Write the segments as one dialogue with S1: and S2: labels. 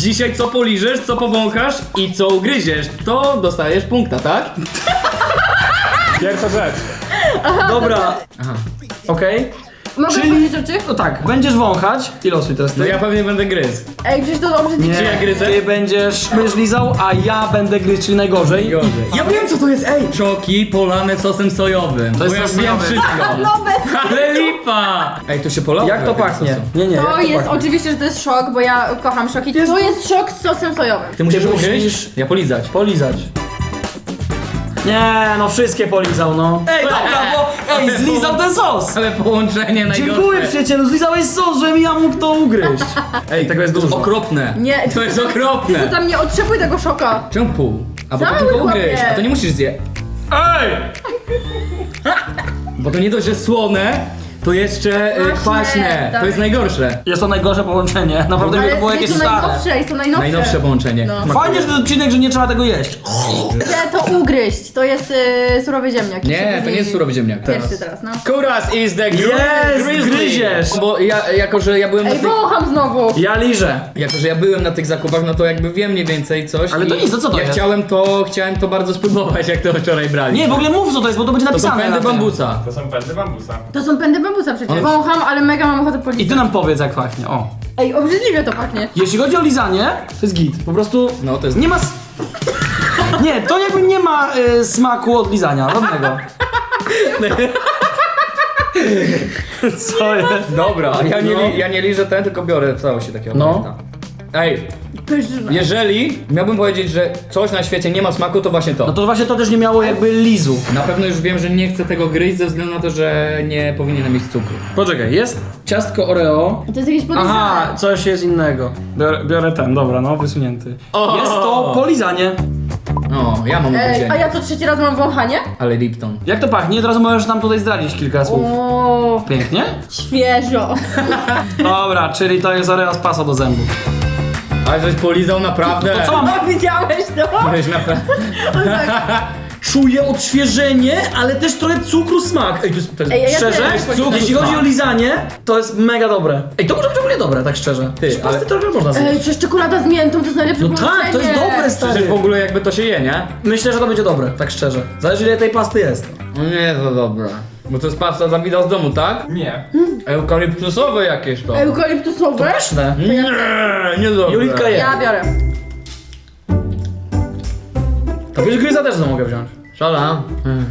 S1: Dzisiaj co poliżesz, co powąchasz i co ugryziesz, to dostajesz punkta, tak?
S2: Pierwsza rzecz.
S3: Dobra.
S1: Aha.
S3: Okej.
S4: Mogę
S3: Czyli-
S4: powiedzieć rzeczy?
S3: No tak, będziesz wąchać i losuj teraz ty.
S1: No ja pewnie będę gryzł.
S4: Ej, przecież to obrzydliwe.
S1: Czy ja gryzę?
S3: Ty będziesz lizał, a ja będę gryźć, czyli najgorzej.
S1: Gorzej.
S3: Ja wiem co to jest, ej!
S1: Czoki polane sosem sojowym.
S3: To jest
S1: Bo ja
S3: sos
S1: wiem
S3: sojowy.
S1: wszystko.
S4: No bez...
S1: Ale lipa! Ej, to się polało.
S3: Jak to
S1: trochę
S3: pachnie?
S1: sosem.
S3: Nie, jak
S4: To jest,
S3: pachnie?
S4: oczywiście, że to jest szok, bo ja kocham szoki.
S3: Jest-
S4: To jest szok z sosem sojowym.
S1: Ty musisz
S3: Ty
S1: ugryźć,
S3: musisz-
S1: ja polizać.
S3: Polizać. Nie, no wszystkie polizał, no. Ej, dobra, bo zlizał ten sos!
S1: Ale połączenie najgorsze.
S3: Dziękuję przyjacielu, zlizałeś sos, żebym ja mógł to ugryźć.
S1: Ej,
S3: tego jest
S1: to
S3: dużo.
S1: okropne.
S4: Nie.
S1: To jest
S4: To
S1: okropne.
S4: tam nie otrzepuj tego szoka.
S1: Czemu pół? A bo to
S4: Cały
S1: tylko ugryź,
S4: chłopie.
S1: a to nie musisz zjeść.
S3: Ej!
S1: Bo to nie dość, że słone, to jeszcze
S4: Kwaśne,
S1: kwaśne.
S4: tak.
S1: To jest najgorsze.
S3: Jest to najgorsze połączenie. Naprawdę mi to było jakieś
S4: jest to
S3: stare.
S4: najnowsze, jest to najnowsze.
S1: Najnowsze połączenie.
S4: No.
S3: Fajnie, że to odcinek, że nie trzeba tego jeść.
S4: Chcę to ugryźć. To jest surowy ziemniak.
S1: Nie, to nie jest surowy ziemniak.
S4: Pierwszy teraz, no.
S1: Kuras is the
S3: Jest,
S1: grizzly.
S3: gryziesz.
S1: Bo ja, jako że ja byłem na
S4: Ej,
S1: tych...
S4: wącham znowu.
S3: Ja liżę.
S1: Jako, że ja byłem na tych zakupach, no to jakby wiem mniej więcej coś.
S3: Ale to
S1: i
S3: nic, to co to
S1: ja
S3: jest?
S1: chciałem to bardzo spróbować, jak to wczoraj brali.
S3: Nie, w ogóle mów co to jest, bo to będzie
S1: to są
S3: napisane.
S1: pędy
S3: na tym.
S1: bambusa.
S2: To są pędy bambusa.
S4: To są pędy bambusa przecież.
S1: One-
S4: Wącham, ale mega mam ochotę
S3: I
S4: policzyć.
S3: ty nam powiedz jak pachnie, o.
S4: Ej, obrzydliwie to pachnie.
S3: Jeśli chodzi o lizanie, to jest git. Po prostu
S1: No to jest...
S3: nie ma... Nie, to jakby nie ma smaku od lizania, żadnego. Co jest?
S1: Dobra, ja nie,
S3: No.
S1: ja nie liżę ten, tylko biorę w całości takiego.
S3: No.
S1: pamiętam. Ej,
S4: Pyszne.
S1: jeżeli miałbym powiedzieć, że coś na świecie nie ma smaku, to właśnie to.
S3: No to właśnie to też nie miało jakby lizu.
S1: Na pewno już wiem, że nie chcę tego gryźć ze względu na to, że nie powinienem mieć cukru.
S3: Poczekaj, jest ciastko Oreo.
S4: To jest jakieś podlizane.
S3: Aha, coś jest innego. Biorę ten, dobra, no, wysunięty.
S1: O!
S3: Jest to polizanie.
S1: O, ja mam
S4: Ej, a
S1: ugryzienie.
S4: ja co trzeci raz mam wąchanie?
S1: Ale Lipton.
S3: Jak to pachnie? Teraz możesz nam tutaj zdradzić kilka słów.
S4: O,
S3: Pięknie?
S4: świeżo.
S3: Dobra, czyli to jest Oreo z pasa do zębów.
S1: Ale żeś polizał naprawdę.
S3: To co mam?
S4: No, widziałeś to?
S1: Żeś naprawdę...
S3: Czuję odświeżenie, ale też trochę cukru smak. Ej, to jest
S4: Ej, ja
S3: szczerze,
S4: też.
S3: jeśli chodzi o lizanie, to jest mega dobre. Ej, to może być w ogóle dobre, tak szczerze.
S1: Ty,
S3: Z pasty
S1: ale-
S3: trochę można zjeść.
S4: Ej, przecież czekolada z miętą to jest najlepsze
S3: No tak, to jest
S4: połączenie.
S3: dobre, stary.
S1: Przecież w ogóle jakby to się je, nie?
S3: Myślę, że to będzie dobre, tak szczerze. Zależy ile tej pasty jest.
S1: No nie, to dobra. Bo to jest pasta Dawida z domu, tak?
S2: Nie.
S1: Eukaliptusowe jakieś to.
S4: Eukaliptusowe?
S3: Pyszne.
S1: Nie, nie dobre.
S3: Julitka je.
S4: Ja biorę.
S3: To wiesz, gryza też mogę wziąć.
S1: Szala.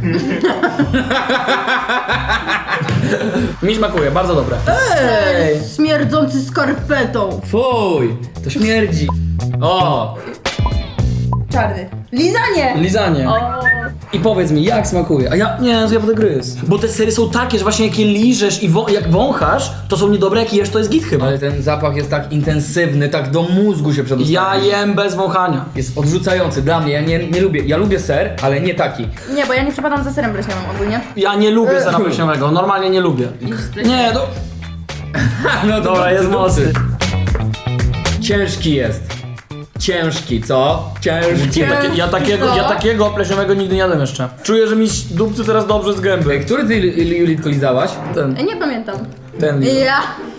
S3: Mi smakuje, bardzo dobre. Ej!
S4: Śmierdzący skarpetą.
S1: Fuj, to śmierdzi. O,
S4: Czarny. Lizanie!
S3: Lizanie.
S4: O.
S3: I powiedz mi, jak smakuje? A ja, nie, to ja będę gryzł. Bo te sery są takie, że właśnie jak je liżesz i jak wąchasz, to są niedobre, jak jesz, to jest git chyba.
S1: ale ten zapach jest tak intensywny, tak do mózgu się przedostał.
S3: Ja jem bez wąchania.
S1: Jest odrzucający dla mnie, ja nie lubię. Ja lubię ser, ale nie taki.
S4: Nie, bo ja nie przepadam za serem bleśniowym ogólnie.
S3: Ja nie lubię sera pleśniowego, normalnie nie lubię. Nie, to...
S1: No
S3: Dobra, jest mocny.
S1: Ciężki jest. Ciężki, co? Ciężki.
S3: Ja takiego pleśniowego nigdy nie jadłem jeszcze. Czuję, że mi dupcy teraz dobrze z gęby.
S1: Który ty, Julitko, lizałaś?
S3: Ten,
S4: Ej, nie pamiętam.
S3: ten.
S4: Ja.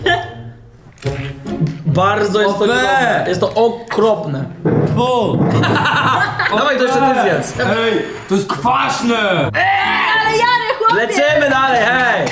S3: Bardzo jest to
S1: Ofe!
S3: niedobre. Jest to okropne.
S1: O!
S3: Dawaj, to jeszcze ty zjedz.
S1: Ej, to jest kwaśne!
S4: Ale Jary, chłopie!
S3: Lecimy dalej, hej!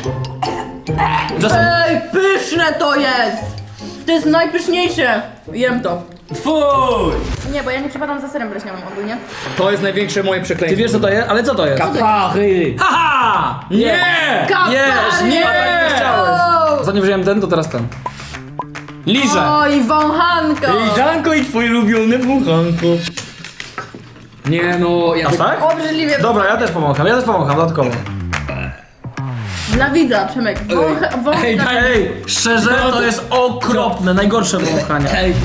S4: Ej, pyszne to jest! To jest najpyszniejsze. Jem to.
S1: Fuj!
S4: Nie, bo ja nie przepadam za serem bleśniowym ogólnie.
S1: To jest największe moje
S3: Ty
S1: przekleństwo.
S3: wiesz co to jest? Ale co to jest?
S1: Kapachy!
S3: Haha!
S1: Nie!
S3: Jesz, nie!
S1: Nie!
S4: Wow.
S3: Zanim wziąłem ten, to teraz ten. Liżę!
S4: Oj, wąchanko!
S1: Liżanko i twoje ulubione wąchanko. Nie no, ja
S3: Aż tak?
S4: Obrzydliwie.
S3: Dobra, ja też pomogę dodatkowo.
S4: Dla widza, Przemek. Wącha.
S1: Ej, daj-
S3: Ej, szczerze, to jest okropne, najgorsze wąchanie.
S1: Ej.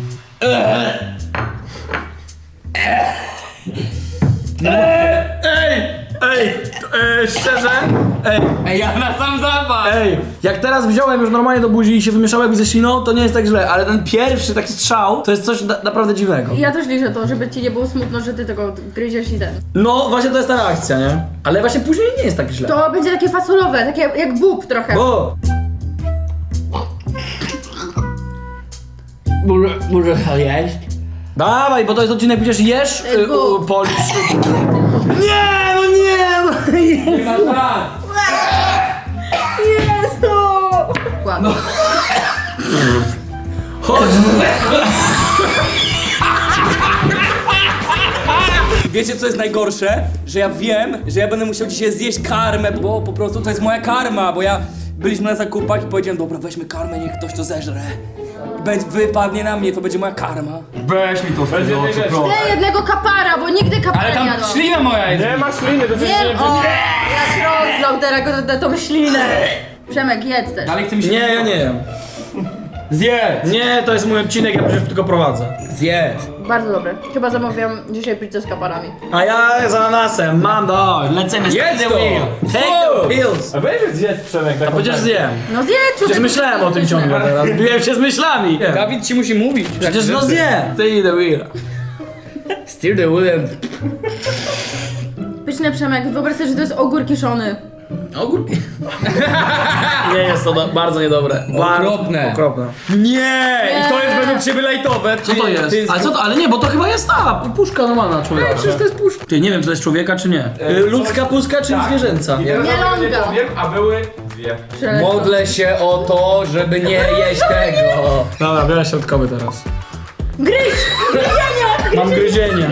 S3: Szczerze?
S1: Ej, ja na sam zapach!
S3: Ej, jak teraz wziąłem już normalnie do buzi i się wymieszało jakby ze śliną, to nie jest tak źle, ale ten pierwszy taki strzał, to jest coś naprawdę dziwnego.
S4: Ja też liczę to, żeby ci nie było smutno, że ty tego gryziesz i ten.
S3: No, właśnie to jest ta reakcja, nie? Ale właśnie później nie jest tak źle.
S4: To będzie takie fasolowe, takie jak bób trochę.
S3: Bo...
S1: Może jeść?
S3: Dawaj, bo to jest odcinek, przecież jesz,
S4: Bóg.
S3: polisz. Nie, no nie!
S1: Nie ma szans!
S4: Jezu! Ładnie.
S3: Chodź!
S5: Wiecie co jest najgorsze? Że ja wiem, że ja będę musiał dzisiaj zjeść karmę, bo po prostu to jest moja karma, bo byliśmy na zakupach i powiedziałem, dobra, weźmy karmę, niech ktoś to zeżre. Wypadnie na mnie, to będzie moja karma.
S1: Weź mi to w
S2: Będzie
S1: oczy,
S2: wiedzieć.
S1: proszę.
S4: Chcę jednego kapara, bo nigdy kapara
S1: Ale
S4: nie
S1: tam
S4: jadłam.
S1: ślina moja jest.
S2: Nie ma śliny, to
S4: Wiem, o, jak rozlał teraz tą ślinę. Przemek, jedz też.
S1: Dalej chce mi się...
S3: Nie, ja nie jem.
S1: Zjedz!
S3: Nie, to jest mój odcinek, ja przecież tylko prowadzę.
S1: Zjedz!
S4: Bardzo dobre. Chyba zamawiam dzisiaj pizzę z kaparami.
S3: A ja z ananasem, mam lecimy z
S1: Jedz to!
S3: Take the pills!
S2: A weź zjedz Przemek taką
S3: Przecież
S2: karmę.
S3: zjem.
S4: No zjedz,
S3: Przecież
S4: człowieku,
S3: myślałem o tym
S4: pyszne.
S3: ciągle teraz. Biłem się z myślami.
S1: Dawid ci musi mówić.
S3: Przecież no zjem. Ty the wheel.
S1: Steer the wheel.
S4: Pyszne, Przemek, wyobraź sobie, że to jest ogór kiszony.
S3: Ogórki. Nie jest to bardzo niedobre.
S1: Okropne.
S3: Okropne.
S1: Nie! I to jest według ciebie lajtowe.
S3: Co to jest? Ale co to? Ale nie, bo to chyba jest ta puszka normalna człowieka.
S1: Przecież to jest puszka.
S3: Ty nie wiem, czy to jest człowieka, czy nie. Ludzka puszka, czy zwierzęca?
S2: I teraz
S4: Nie
S2: wam nie
S4: longa.
S2: powiem, a były dwie.
S4: Przeleciał.
S1: Modlę się o to, żeby nie jeść tego.
S3: Dobra, biorę środkowy teraz.
S4: Gryź! Gryzienie!
S3: Mam gryzienie.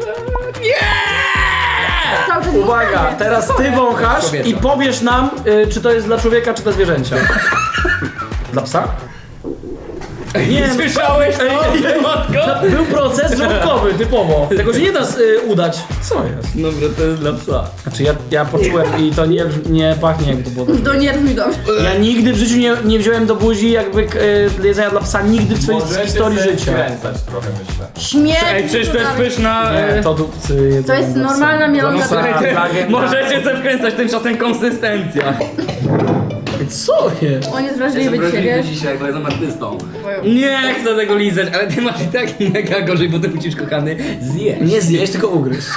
S4: Cały czas
S3: Uwaga,
S4: wąchanie.
S3: teraz ty wąchasz i powiesz nam, czy to jest dla człowieka, czy dla zwierzęcia. Dla psa? Nie,
S1: Słyszałeś to? Matko?
S3: był proces żołądkowy, typowo. Tego się nie da udać. Co jest?
S1: Dobra, to jest dla psa.
S3: Znaczy ja poczułem i to nie pachnie jakby to było.
S4: To nie brzmi dobrze.
S3: Ja nigdy w życiu nie wziąłem do buzi jakby jedzenia dla psa, nigdy w swojej
S2: Możecie
S3: historii
S2: sobie
S3: życia.
S2: skręcać trochę, myślę.
S4: Śmierć!
S1: Ej, przecież to jest
S4: dalej.
S1: pyszna...
S3: Nie, to dupcy jedzą
S4: To jest
S3: dla psa.
S4: normalna mielonka.
S3: Dla psa, dla gęby.
S1: Możecie sobie wkręcać, tymczasem konsystencja.
S3: Co jest?
S4: On jest wrażliwy dzisiaj, wiesz?
S1: dzisiaj, bo jestem artystą. Nie chcę tego lizać, ale ty masz i tak mega gorzej, bo ty musisz, kochany, zjeść.
S3: Nie zjeść, tylko ugryźć.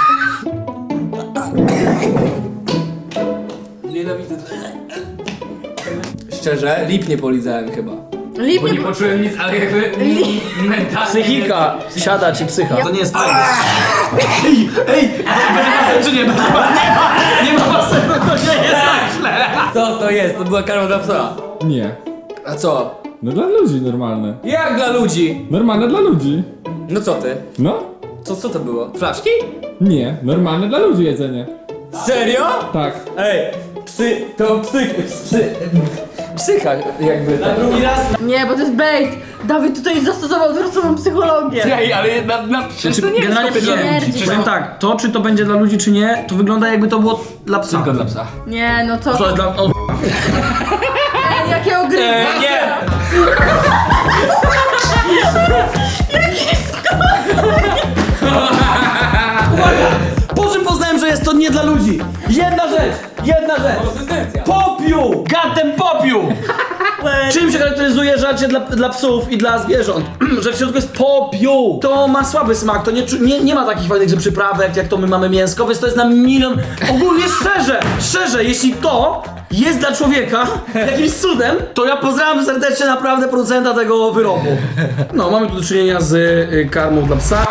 S5: Nienawidzę. Szczerze, lip nie polizałem chyba.
S4: Lip
S1: Bo nie
S4: nie...
S1: poczułem nic, ale jakby mentalnie...
S3: Psychika siada ci psycha. To nie jest fajne. Ej, będzie basen czy nie? Nie ma basenu, to nie jest tak źle.
S5: Co to jest? To była karma dla psa.
S2: Nie.
S5: A co?
S2: No dla ludzi normalne.
S5: Jak dla ludzi?
S2: Normalne dla ludzi.
S5: No co ty?
S2: No?
S5: Co to było? Flaszki?
S2: Nie. Normalne dla ludzi jedzenie.
S5: Serio?
S2: Tak.
S5: Ej, psycha jakby. Tak.
S3: Drugi raz.
S4: Nie, bo to jest bait. Dawid tutaj zastosował odwróconą psychologię.
S1: Ej, ale przecież to nie jest
S3: Generalnie
S4: śmierdzi,
S3: powiem
S4: no.
S3: tak, to czy to będzie dla ludzi czy nie, to wygląda jakby to było dla psa.
S1: tylko dla psa.
S4: Nie, no co?
S3: To jest dla... O,
S4: Ej, jakie ogryzki.
S3: nie! Po czym poznałem, że jest to nie dla ludzi? Jedna rzecz!
S5: Konsystencja.
S3: Popiół! Gatem popiół! Czym się charakteryzuje żarcie dla psów i dla zwierząt? Że w środku jest popiół! To ma słaby smak, to nie ma takich fajnych przyprawek, jak to my mamy mięsko, więc to jest na milion... Ogólnie szczerze, jeśli to jest dla człowieka jakimś cudem, to ja pozdrawiam serdecznie naprawdę producenta tego wyrobu. No, mamy tu do czynienia z karmą dla psa.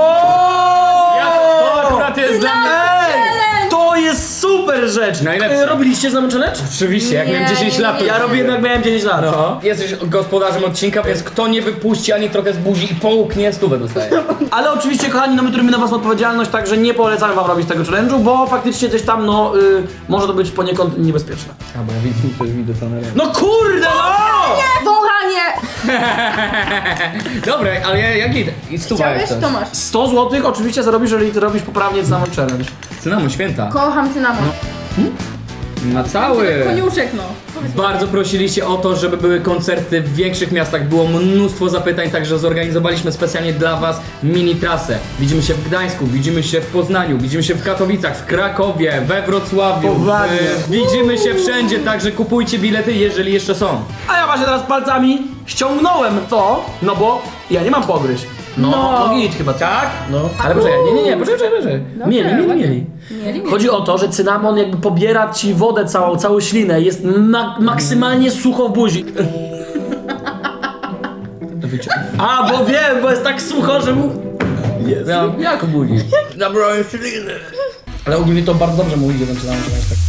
S1: To akurat jest dla mnie...
S3: Ej! To jest super rzecz!
S1: Najlepsze.
S3: Robiliście z nami challenge?
S1: Oczywiście, jak miałem 10 lat, to...
S3: Ja robiłem jak miałem 10 lat.
S1: No. Jesteś gospodarzem odcinka, więc kto nie wypuści ani trochę z buzi i połknie, 100 dostaje.
S3: Ale oczywiście, kochani, no my trybimy na was odpowiedzialność, także nie polecamy wam robić tego challenge'u, bo faktycznie coś tam, no, może to być poniekąd niebezpieczne.
S1: A bo ja widzę to na
S3: No kurde, no!
S4: Wąchanie!
S1: Dobra, ale jak idę? I stuwa jak
S4: Chciałeś?
S1: chcesz.
S4: To masz.
S3: 100 zł oczywiście zarobisz, jeżeli ty robisz poprawnie Cynamon Challenge.
S1: Cynamon, święta.
S4: Kocham cynamon.
S1: Na cały.
S4: Koniuszek, no. Powiedz mi.
S1: Bardzo prosiliście o to, żeby były koncerty w większych miastach. Było mnóstwo zapytań, także zorganizowaliśmy specjalnie dla was mini trasę. Widzimy się w Gdańsku, widzimy się w Poznaniu, widzimy się w Katowicach, w Krakowie, we Wrocławiu.
S3: Poważnie.
S1: Widzimy się wszędzie, także kupujcie bilety, jeżeli jeszcze są.
S3: A ja właśnie teraz palcami ściągnąłem to, no bo ja nie mam pogryźć. No git chyba, tak? No. Ale poczekaj, nie, poczekaj. Mieli. Chodzi o to, że cynamon jakby pobiera ci wodę całą ślinę, jest maksymalnie sucho w buzi. A, bo wiem, bo jest tak sucho, że mu...
S1: Jak obudzić? Zabrałem śliny.
S3: Ale ogólnie to bardzo dobrze mówi, że zaczynamy się tak.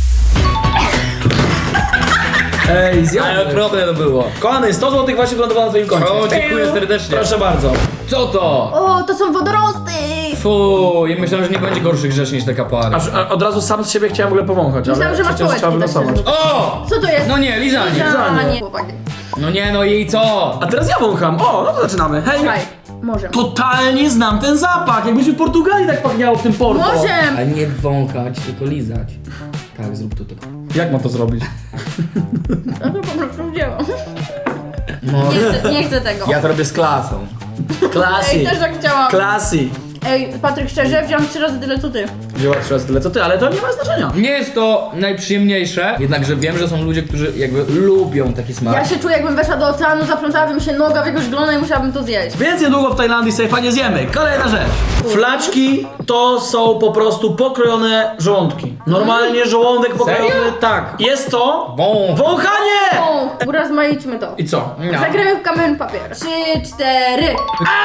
S3: Ej,
S1: Ale
S3: zjadłem.
S1: okropne to było.
S3: Kochany, 100 zł właśnie wylądowało na twoim koncie.
S1: O, dziękuję serdecznie.
S3: Proszę bardzo.
S1: Co to?
S4: O, to są wodorosty!
S1: Fu, ja myślałem, że nie będzie gorszych rzeczy niż te kapary.
S3: A od razu sam z siebie chciałem w ogóle powąchać, ale
S4: Myślałam, że masz
S3: przecież trzeba
S4: pałeczki, tak
S3: wylosować.
S1: O!
S4: Co to jest?
S1: No nie, lizanie.
S4: Lizanie. Chłopaki.
S1: No nie, no i co?
S3: A teraz ja wącham. O, no to zaczynamy. Hej.
S4: Słuchaj, może.
S3: Totalnie znam ten zapach, jakbyśmy w Portugalii tak pachniało w tym Porto.
S4: Może!
S1: Ale nie wąchać, tylko lizać. Tak, zrób to tylko.
S3: Jak ma to zrobić?
S4: No to po prostu wzięłam.
S1: No.
S4: Nie chcę tego.
S1: Ja to robię z klasą.
S4: Ej,
S3: Classy.
S4: też tak chciałam.
S3: Classy.
S4: Ej, Patryk, szczerze, wziąłam 3 razy tyle co ty.
S3: Wzięła 3 razy tyle co ty, ale to nie ma znaczenia.
S1: Nie jest to najprzyjemniejsze, jednakże wiem, że są ludzie, którzy jakby lubią taki smak.
S4: Ja się czuję, jakbym weszła do oceanu, zaplątałabym się noga w jakiegoś glona i musiałabym to zjeść.
S3: Więc niedługo w Tajlandii sobie fajnie zjemy. Kolejna rzecz. Flaczki to są po prostu pokrojone żołądki. Normalnie żołądek pokrojony,
S1: Serio?
S3: tak. Jest to
S1: Wąch.
S3: wąchanie!
S4: O, urozmaićmy to.
S3: I co?
S1: No.
S4: Zagramy w kamień papier. 3, 4.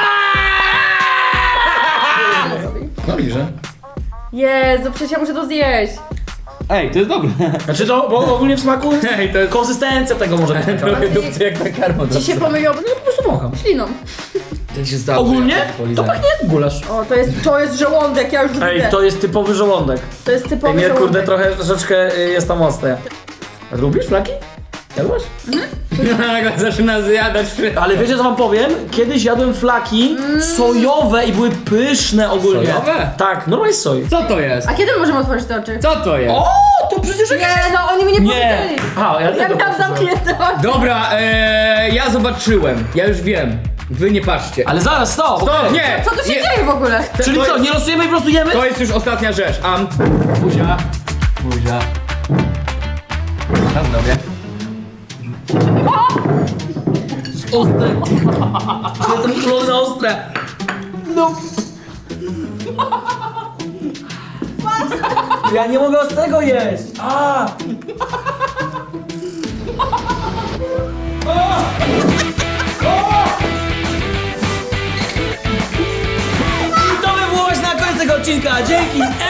S1: No liże.
S4: Jezu, przecież ja muszę to zjeść.
S1: Ej, to jest dobre.
S3: Znaczy to, bo ogólnie w smaku
S1: Ej, to jest
S3: konsystencja tego może być taka.
S1: trochę dupcy jak na karmo.
S4: Ci się pomyliło, no
S3: Po prostu wącham.
S4: śliną.
S1: Tak się stało.
S3: Ogólnie to pachnie jak gulasz.
S4: O, to jest żołądek, ja już widzę.
S3: Ej, to jest typowy żołądek.
S4: To jest
S3: Ej,
S4: typowy
S3: nie,
S4: żołądek.
S3: kurde, troszeczkę jest tam ostre. A lubisz flaki? Jadłaś?
S1: Zaczyna zjadać.
S3: Ale wiecie co wam powiem? Kiedyś jadłem flaki sojowe i były pyszne ogólnie.
S1: Sojowe?
S3: Tak, normalnie z soi.
S1: Co to jest?
S4: A kiedy możemy otworzyć te oczy?
S1: Co to jest?
S3: O, to przecież
S4: Nie, no oni mi nie
S3: Nie.
S4: powiedzieli.
S3: Aha, ja
S4: Ja miałam zamknięte oczy.
S1: Dobra, ja zobaczyłem. Ja już wiem. Wy nie patrzcie.
S3: Ale zaraz, stop!
S1: Stop,
S3: okej.
S1: nie!
S4: Co tu się
S1: nie.
S4: dzieje w ogóle?
S3: Czyli
S1: To
S3: co,
S1: jest-
S3: nie losujemy i po prostu jemy?
S1: To jest już ostatnia rzecz. Buzia. Buzia. Na zdrowie.
S3: Ostre. Jestem kulone ostre. No. Ja nie mogę ostrego jeść. A. I to by było właśnie na koniec tego odcinka. Dzięki